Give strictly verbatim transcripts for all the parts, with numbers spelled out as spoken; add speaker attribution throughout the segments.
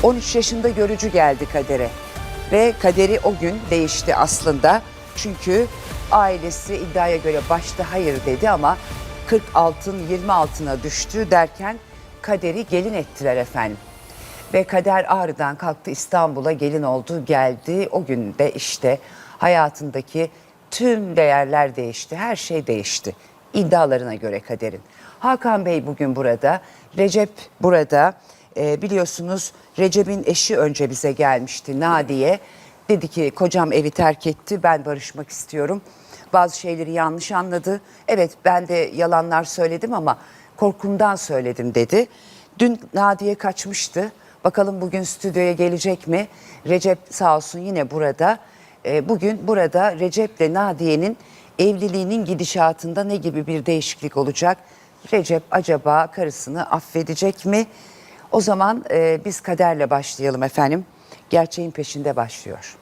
Speaker 1: on üç yaşında görücü geldi Kader'e. Ve kaderi o gün değişti aslında. Çünkü ailesi iddiaya göre başta hayır dedi ama kırk altın yirmi altına düştü derken Kader'i gelin ettiler efendim. Ve Kader Ağrı'dan kalktı, İstanbul'a gelin oldu, geldi. O gün de işte hayatındaki tüm değerler değişti, her şey değişti. İddialarına göre Kader'in. Hakan Bey bugün burada, Recep burada. Ee, biliyorsunuz Recep'in eşi önce bize gelmişti, Nadiye. Dedi ki kocam evi terk etti, ben barışmak istiyorum. Bazı şeyleri yanlış anladı. Evet, ben de yalanlar söyledim ama korkumdan söyledim dedi. Dün Nadiye kaçmıştı. Bakalım bugün stüdyoya gelecek mi? Recep sağ olsun yine burada. Ee, bugün burada Recep'le Nadiye'nin evliliğinin gidişatında ne gibi bir değişiklik olacak? Recep acaba karısını affedecek mi? O zaman e, biz Kader'le başlayalım efendim. Gerçeğin peşinde başlıyor.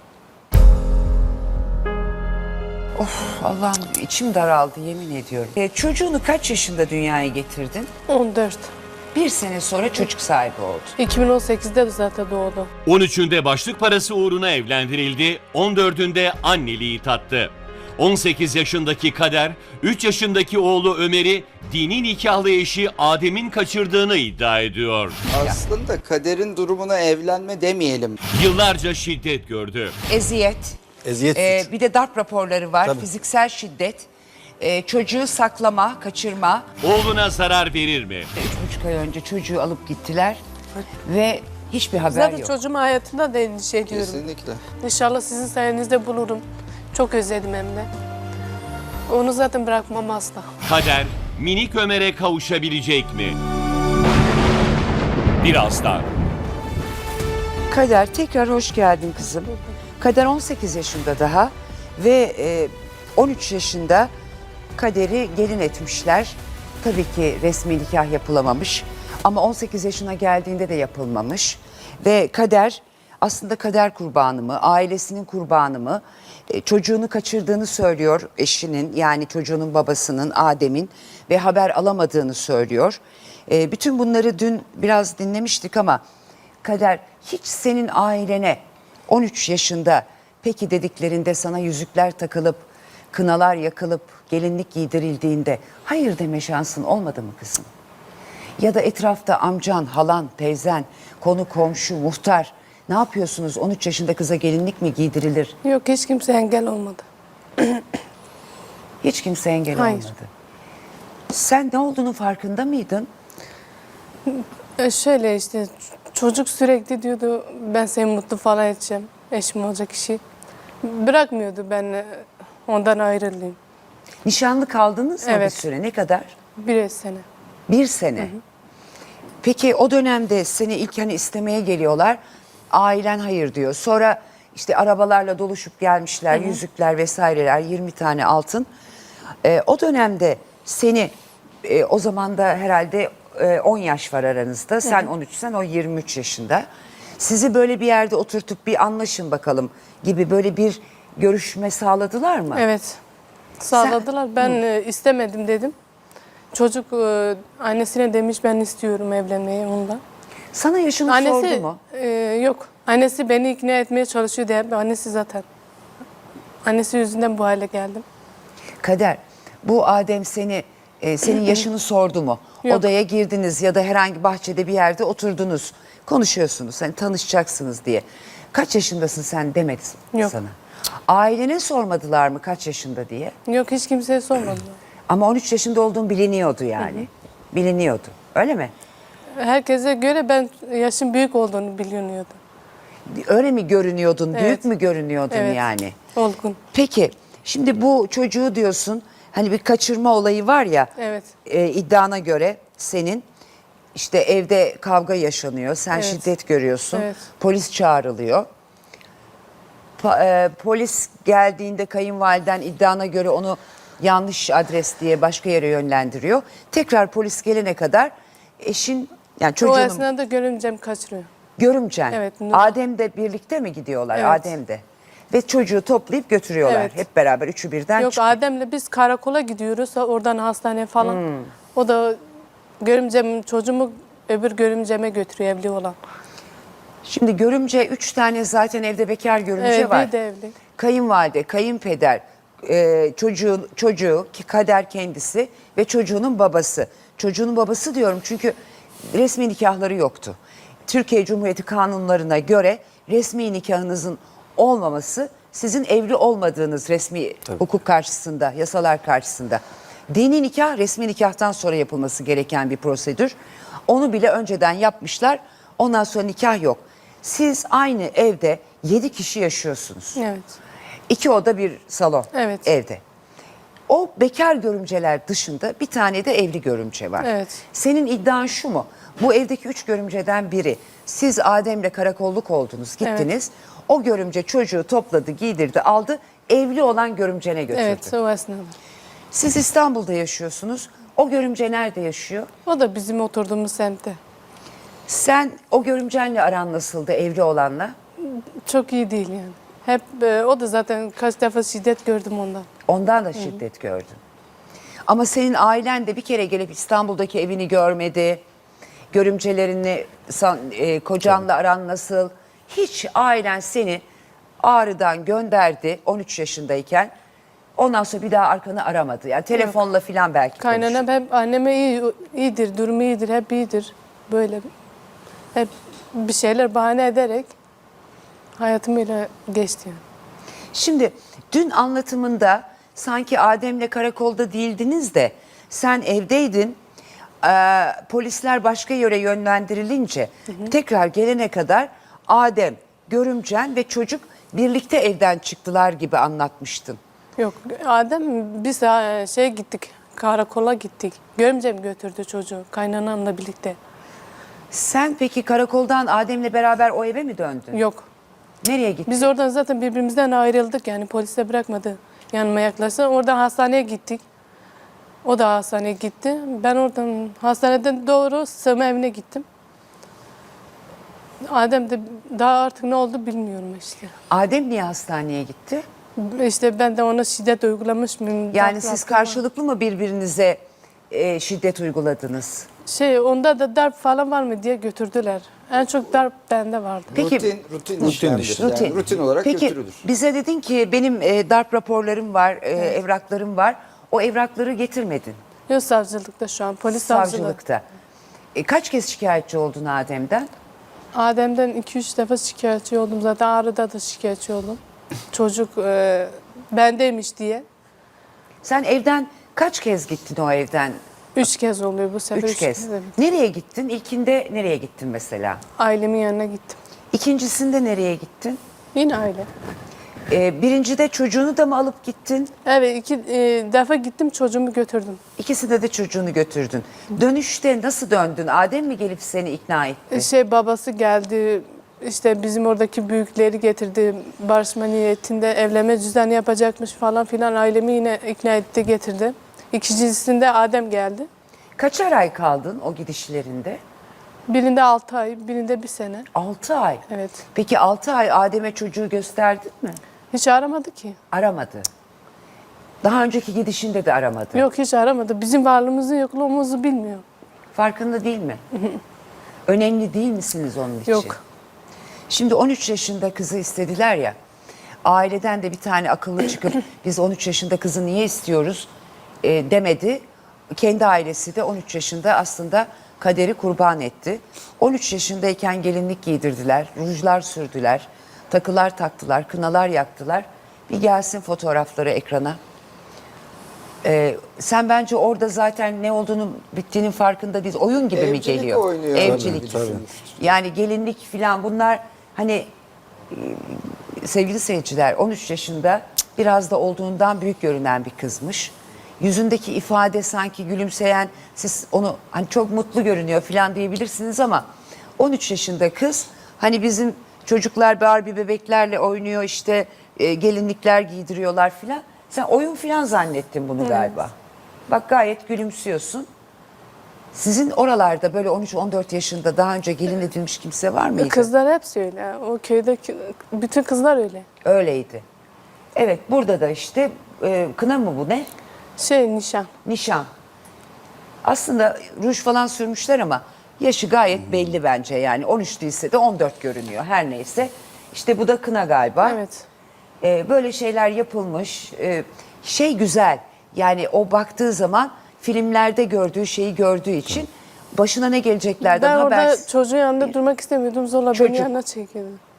Speaker 1: Of Allah'ım, içim daraldı yemin ediyorum. E, çocuğunu kaç yaşında dünyaya getirdin?
Speaker 2: on dört.
Speaker 1: Bir sene sonra çocuk sahibi oldu.
Speaker 2: iki bin on sekizde zaten doğdu.
Speaker 3: on üçünde başlık parası uğruna evlendirildi, on dördünde anneliği tattı. on sekiz yaşındaki Kader, üç yaşındaki oğlu Ömer'i dini nikahlı eşi Adem'in kaçırdığını iddia ediyor.
Speaker 4: Aslında Kader'in durumuna evlenme demeyelim.
Speaker 3: Yıllarca şiddet gördü.
Speaker 1: Eziyet,
Speaker 5: Eziyet
Speaker 1: e,
Speaker 5: suç.
Speaker 1: bir de darp raporları var,
Speaker 5: Tabii.
Speaker 1: fiziksel şiddet, e, çocuğu saklama, kaçırma.
Speaker 3: Oğluna zarar verir mi?
Speaker 1: Üç buçuk ay önce çocuğu alıp gittiler ve hiçbir haber
Speaker 2: Zaten
Speaker 1: yok.
Speaker 2: çocuğum hayatında da endişe ediyorum.
Speaker 4: Kesinlikle.
Speaker 2: İnşallah sizin sayenizde bulurum. Çok özledim hem de. Onu zaten bırakmam asla.
Speaker 3: Kader, minik Ömer'e kavuşabilecek mi? Birazdan.
Speaker 1: Kader tekrar hoş geldin kızım. Kader on sekiz yaşında daha ve e, on üç yaşında Kader'i gelin etmişler. Tabii ki resmi nikah yapılamamış ama on sekiz yaşına geldiğinde de yapılmamış. Ve Kader aslında kader kurbanı mı, ailesinin kurbanı mı? E, çocuğunu kaçırdığını söylüyor eşinin, yani çocuğunun babasının, Adem'in, ve haber alamadığını söylüyor. E, bütün bunları dün biraz dinlemiştik ama Kader, hiç senin ailene on üç yaşında peki dediklerinde, sana yüzükler takılıp, kınalar yakılıp, gelinlik giydirildiğinde hayır deme şansın olmadı mı kızım? Ya da etrafta amcan, halan, teyzen, konu komşu, muhtar, ne yapıyorsunuz? on üç yaşında kıza gelinlik mi giydirilir?
Speaker 2: Yok, hiç kimse engel olmadı.
Speaker 1: Hiç kimse engel
Speaker 2: Hayır.
Speaker 1: olmadı. Sen ne olduğunun farkında mıydın?
Speaker 2: E şöyle işte çocuk sürekli diyordu ben seni mutlu falan edeceğim. Eşim olacak kişi. Bırakmıyordu ben e, ondan ayrılayım.
Speaker 1: Nişanlı kaldınız mı bir
Speaker 2: Evet.
Speaker 1: süre? Ne kadar?
Speaker 2: Bir sene.
Speaker 1: Bir sene. Peki o dönemde seni ilk hani istemeye geliyorlar. Ailen hayır diyor. Sonra işte arabalarla doluşup gelmişler. Yüzükler vesaireler, yirmi tane altın. Ee, o dönemde seni e, o zaman da herhalde e, on yaş var aranızda. Sen on üçsen, o yirmi üç yaşında. Sizi böyle bir yerde oturtup bir anlaşın bakalım gibi böyle bir görüşme sağladılar mı?
Speaker 2: Evet. Sağladılar. Ben e, istemedim dedim. Çocuk e, annesine demiş ben istiyorum evlenmeyi ondan.
Speaker 1: Sana yaşını sordu mu?
Speaker 2: e, yok. Annesi beni ikna etmeye çalışıyor diye. Annesi zaten. Annesi yüzünden bu hale geldim.
Speaker 1: Kader, bu Adem seni e, senin yaşını sordu mu?
Speaker 2: Yok.
Speaker 1: Odaya girdiniz ya da herhangi bahçede bir yerde oturdunuz. Konuşuyorsunuz, hani tanışacaksınız diye. Kaç yaşındasın sen demedi
Speaker 2: Yok.
Speaker 1: sana. Ailene sormadılar mı kaç yaşında diye?
Speaker 2: Yok, hiç kimseye sormadılar.
Speaker 1: Ama on üç yaşında olduğun biliniyordu yani. Biliniyordu. Öyle mi?
Speaker 2: Herkese göre ben yaşım büyük olduğunu biliniyordu.
Speaker 1: Öyle mi görünüyordun? Büyük
Speaker 2: Evet.
Speaker 1: mü görünüyordun
Speaker 2: Evet.
Speaker 1: yani?
Speaker 2: Olgun.
Speaker 1: Peki, şimdi bu çocuğu diyorsun, hani bir kaçırma olayı var ya,
Speaker 2: Evet.
Speaker 1: e, iddiana göre senin işte evde kavga yaşanıyor, sen
Speaker 2: Evet.
Speaker 1: şiddet görüyorsun,
Speaker 2: Evet.
Speaker 1: polis çağrılıyor. Pa- e, polis geldiğinde kayınvaliden iddiana göre onu yanlış adres diye başka yere yönlendiriyor. Tekrar polis gelene kadar eşin, yani
Speaker 2: O
Speaker 1: çocuğunun,
Speaker 2: esnada görümcem kaçırıyor.
Speaker 1: görümcen,
Speaker 2: Evet, Nur.
Speaker 1: Adem de birlikte mi gidiyorlar?
Speaker 2: Evet.
Speaker 1: Adem de. Ve çocuğu toplayıp götürüyorlar.
Speaker 2: Evet.
Speaker 1: Hep beraber üçü birden
Speaker 2: Yok,
Speaker 1: çıkıyor.
Speaker 2: Adem'le biz karakola gidiyoruz. Oradan hastane falan. O da görümcem çocuğumu öbür görümceme götürüyor, evli olan.
Speaker 1: Şimdi görümce üç tane zaten evde bekar görümce
Speaker 2: Evet,
Speaker 1: var.
Speaker 2: bir de evli.
Speaker 1: Kayınvalide, kayınpeder, e, çocuğun, çocuğu, ki kader kendisi ve çocuğunun babası. Çocuğunun babası diyorum çünkü resmi nikahları yoktu. Türkiye Cumhuriyeti kanunlarına göre resmi nikahınızın olmaması sizin evli olmadığınız resmi hukuk karşısında, yasalar karşısında. Dini nikah resmi nikahtan sonra yapılması gereken bir prosedür. Onu bile önceden yapmışlar. Ondan sonra nikah yok. Siz aynı evde yedi kişi yaşıyorsunuz.
Speaker 2: Evet.
Speaker 1: İki oda bir salon
Speaker 2: Evet.
Speaker 1: evde. O bekar görümceler dışında bir tane de evli görümce var.
Speaker 2: Evet.
Speaker 1: Senin iddian şu mu? Bu evdeki üç görümceden biri siz Adem'le karakolluk oldunuz, gittiniz. O görümce çocuğu topladı, giydirdi, aldı. Evli olan görümcene götürdü.
Speaker 2: Evet, o esnada.
Speaker 1: Siz İstanbul'da yaşıyorsunuz. O görümce nerede yaşıyor?
Speaker 2: O da bizim oturduğumuz semtte.
Speaker 1: Sen o görümcenle aran nasıldı, evli olanla?
Speaker 2: Çok iyi değil yani. Hep e, o da zaten kaç defa şiddet gördüm ondan.
Speaker 1: Ondan da şiddet gördün. Ama senin ailen de bir kere gelip İstanbul'daki evini görmedi. Görümcelerini, san- e, kocanla aran nasıl? Hiç ailen seni Ağrı'dan gönderdi on üç yaşındayken. Ondan sonra bir daha arkanı aramadı. Yani telefonla falan belki konuştu.
Speaker 2: Kaynanam hep anneme iyi, iyidir, durumu iyidir, hep iyidir. Böyle hep bir şeyler bahane ederek hayatımıyla geçti yani.
Speaker 1: Şimdi dün anlatımında sanki Adem'le karakolda değildiniz de sen evdeydin. Ee, polisler başka yere yönlendirilince tekrar gelene kadar Adem, görümcen ve çocuk birlikte evden çıktılar gibi anlatmıştın.
Speaker 2: Yok, Adem biz e, şey gittik, karakola gittik. Görümcem götürdü çocuğu kaynanamla birlikte.
Speaker 1: Sen peki karakoldan Adem'le beraber o eve mi döndün?
Speaker 2: Yok.
Speaker 1: Nereye gittin?
Speaker 2: Biz oradan zaten birbirimizden ayrıldık yani polis de bırakmadı yanıma yaklaştı. Oradan hastaneye gittik. O da hastaneye gitti. Ben oradan hastaneden doğru sığınma evine gittim. Adem de daha artık ne oldu bilmiyorum işte.
Speaker 1: Adem niye hastaneye gitti?
Speaker 2: İşte ben de ona şiddet uygulamış mıyım?
Speaker 1: Yani
Speaker 2: Darp
Speaker 1: siz
Speaker 2: yaptım ama-
Speaker 1: karşılıklı mı birbirinize e, şiddet uyguladınız?
Speaker 2: Şey onda da darp falan var mı diye götürdüler. En çok darp bende vardı.
Speaker 1: Peki-
Speaker 4: rutin, rutin,
Speaker 5: Rutin
Speaker 4: işlemdir.
Speaker 5: işte.
Speaker 4: Yani
Speaker 1: Rutin.
Speaker 4: rutin olarak
Speaker 1: Peki,
Speaker 4: götürülür.
Speaker 1: bize dedin ki benim e, darp raporlarım var, e, evraklarım var. O evrakları getirmedin
Speaker 2: Yok savcılıkta şu an polis savcılığı.
Speaker 1: savcılıkta. E, kaç kez şikayetçi oldun Adem'den?
Speaker 2: Adem'den iki üç defa şikayetçi oldum. Zaten Ağrı'da da şikayetçi oldum. Çocuk e, bendeymiş diye.
Speaker 1: Sen evden kaç kez gittin o evden?
Speaker 2: Üç kez oluyor bu sefer.
Speaker 1: Üç kez.
Speaker 2: evet.
Speaker 1: Nereye gittin? İlkinde nereye gittin mesela?
Speaker 2: Ailemin yanına gittim.
Speaker 1: İkincisinde nereye gittin?
Speaker 2: Yine aile.
Speaker 1: E, birincide çocuğunu da mı alıp gittin?
Speaker 2: Evet iki e, defa gittim çocuğumu götürdüm.
Speaker 1: İkisinde de çocuğunu götürdün. Dönüşte nasıl döndün? Adem mi gelip seni ikna etti?
Speaker 2: E, Şey babası geldi işte bizim oradaki büyükleri getirdi. Barışma niyetinde evlenme cüzdanı yapacakmış falan filan ailemi yine ikna etti getirdi. İkincisinde Adem geldi.
Speaker 1: Kaçar ay kaldın o gidişlerinde?
Speaker 2: Birinde altı ay, birinde bir sene.
Speaker 1: Altı ay.
Speaker 2: Evet.
Speaker 1: Peki altı ay Adem'e çocuğu gösterdin mi?
Speaker 2: Hiç aramadı ki.
Speaker 1: Aramadı. Daha önceki gidişinde de aramadı.
Speaker 2: Yok hiç aramadı. Bizim varlığımızı yokluğumuzu bilmiyor.
Speaker 1: Farkında değil mi? Önemli değil misiniz onun için?
Speaker 2: Yok.
Speaker 1: Şimdi on üç yaşında kızı istediler ya. Aileden de bir tane akıllı çıkıp biz on üç yaşında kızı niye istiyoruz e, demedi. Kendi ailesi de on üç yaşında aslında kaderi kurban etti. on üç yaşındayken gelinlik giydirdiler, rujlar sürdüler, takılar taktılar, kınalar yaktılar. Bir gelsin fotoğrafları ekrana. Ee, sen bence orada zaten ne olduğunu bittiğinin farkında değil. Oyun gibi mi
Speaker 4: Evcilik
Speaker 1: geliyor?
Speaker 4: oynuyor.
Speaker 1: Evcilik.
Speaker 4: Tabii,
Speaker 1: Yani gelinlik falan bunlar hani e, sevgili seyirciler on üç yaşında biraz da olduğundan büyük görünen bir kızmış. Yüzündeki ifade sanki gülümseyen, siz onu hani çok mutlu görünüyor falan diyebilirsiniz ama on üç yaşında kız hani bizim çocuklar Barbie bebeklerle oynuyor işte e, gelinlikler giydiriyorlar falan. Sen oyun falan zannettin bunu galiba. Bak gayet gülümsüyorsun. Sizin oralarda böyle on üç on dört yaşında daha önce gelin edilmiş kimse var mıydı?
Speaker 2: Kızlar hepsi öyle. O köydeki bütün kızlar öyle.
Speaker 1: Öyleydi. Evet burada da işte e, kına mı bu ne?
Speaker 2: Şey nişan.
Speaker 1: Nişan. Aslında ruj falan sürmüşler ama Yaşı gayet belli bence yani on üç değilse de on dört görünüyor her neyse. İşte bu da kına galiba.
Speaker 2: Evet.
Speaker 1: Ee, böyle şeyler yapılmış. Ee, şey güzel yani o baktığı zaman filmlerde gördüğü şeyi gördüğü için başına ne geleceklerden
Speaker 2: Ben orada
Speaker 1: habersiz.
Speaker 2: çocuğun yanında durmak istemiyordum. Zorla
Speaker 1: Çocuk.
Speaker 2: beni yanına çekildi.